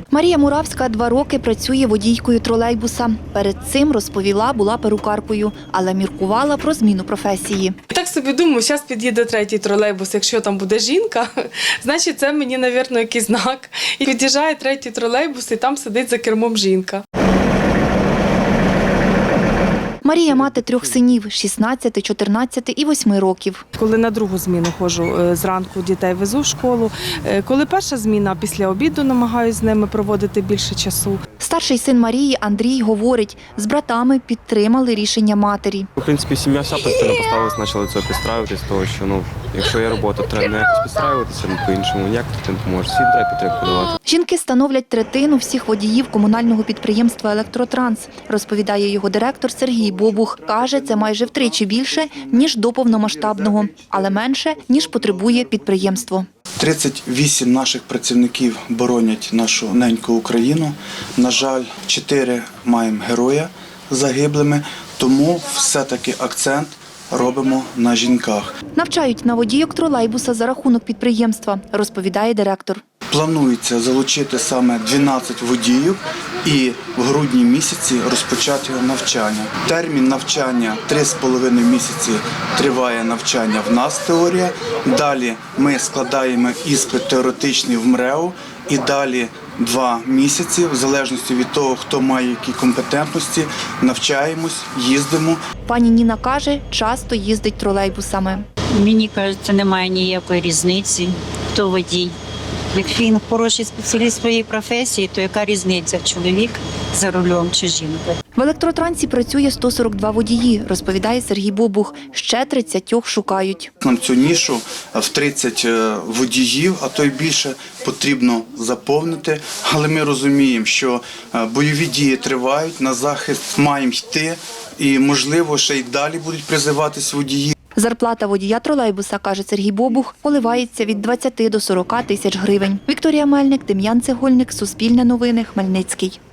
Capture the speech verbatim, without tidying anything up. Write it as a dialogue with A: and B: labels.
A: Марія Муравська два роки працює водійкою тролейбуса. Перед цим, розповіла, була перукаркою, але міркувала про зміну професії.
B: Так собі думаю, зараз під'їде третій тролейбус, якщо там буде жінка, значить це мені, мабуть, якийсь знак. І під'їжджає третій тролейбус, і там сидить за кермом жінка.
A: Марія – мати трьох синів – шістнадцяти, чотирнадцяти і восьми років.
B: Коли на другу зміну ходжу, зранку дітей везу в школу. Коли перша зміна, після обіду намагаюся з ними проводити більше часу.
A: Старший син Марії Андрій говорить, з братами підтримали рішення матері.
C: В принципі, сім'я вся постійно поставилась, почала до цього підстраюватись, того що ну, якщо є робота, треба не якось підстраюватися, ну, по-іншому ніяк ти не поможеш, всім треба підтримку давати.
A: Жінки становлять третину всіх водіїв комунального підприємства «Електротранс», розповідає його директор Сергій Бобух. Каже, це майже втричі більше, ніж до повномасштабного, але менше, ніж потребує підприємство.
D: тридцять вісім наших працівників боронять нашу неньку Україну. На жаль, чотири маємо героя загиблими, тому все-таки акцент робимо на жінках.
A: Навчають на водійок тролейбуса за рахунок підприємства, розповідає директор.
D: Планується залучити саме дванадцять водіїв і в грудні місяці розпочати навчання. Термін навчання три з половиною місяці триває навчання в нас теорія. Далі ми складаємо іспит теоретичний в МРЕО і далі два місяці, в залежності від того, хто має які компетентності, навчаємось, їздимо. Пані
A: Ніна каже, часто їздить тролейбусами.
E: Мені кажеться, немає ніякої різниці, хто водій. Якщо він хороший спеціаліст своєї професії, то яка різниця, чоловік за рулем чи жінка?
A: В електротрансі працює сто сорок два водії, розповідає Сергій Бобух. Ще тридцять шукають.
D: Нам цю нішу в тридцять водіїв, а то й більше, потрібно заповнити. Але ми розуміємо, що бойові дії тривають, на захист маємо йти і, можливо, ще й далі будуть призиватись водії.
A: Зарплата водія тролейбуса, каже Сергій Бобух, коливається від двадцяти до сорока тисяч гривень. Вікторія Мельник, Дем'ян Цегольник, Суспільне новини, Хмельницький.